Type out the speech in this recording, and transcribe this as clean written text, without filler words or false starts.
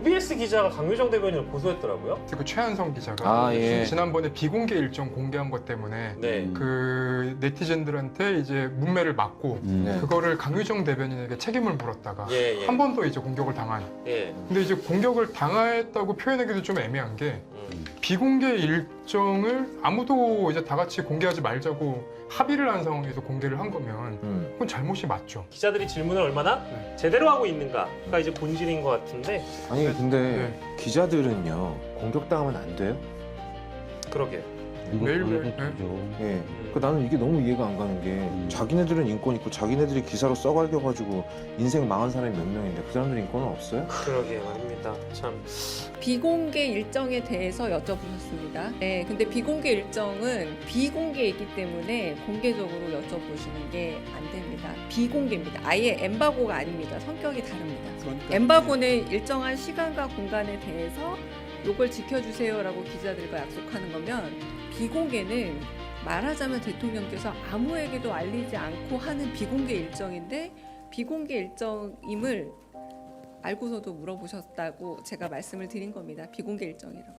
OBS 기자가 강유정 대변인을 고소했더라고요. 그 최한성 기자가 예. 지난번에 비공개 일정 공개한 것 때문에 네. 그 네티즌들한테 이제 문매를 맞고 네. 그거를 강유정 대변인에게 책임을 물었다가 예, 예. 한 번 더 이제 공격을 당한. 예. 근데 이제 공격을 당했다고 표현하기도 좀 애매한 게 비공개 일정을 아무도 이제 다 같이 공개하지 말자고 합의를 한 상황에서 공개를 한 거면 그건 잘못이 맞죠. 기자들이 질문을 얼마나 네. 제대로 하고 있는가가 이제 본질인 것 같은데. 아니 근데 네. 기자들은요 공격당하면 안 돼요? 그러게. 매일매일 예. 그 나는 이게 너무 이해가 안 가는 게 자기네들은 인권 있고 자기네들이 기사로 써갈겨가지고 인생 망한 사람이 몇 명인데 그 사람들 인권은 없어요? 그러게 말입니다. 참. 비공개 일정에 대해서 여쭤보셨습니다. 네, 근데 비공개 일정은 비공개이기 때문에 공개적으로 여쭤보시는 게 안 됩니다. 비공개입니다. 아예 엠바고가 아닙니다. 성격이 다릅니다. 엠바고는 일정한 시간과 공간에 대해서 요걸 지켜주세요라고 기자들과 약속하는 거면 비공개는 말하자면 대통령께서 아무에게도 알리지 않고 하는 비공개 일정인데 비공개 일정임을 알고서도 물어보셨다고 제가 말씀을 드린 겁니다. 비공개 일정이라고.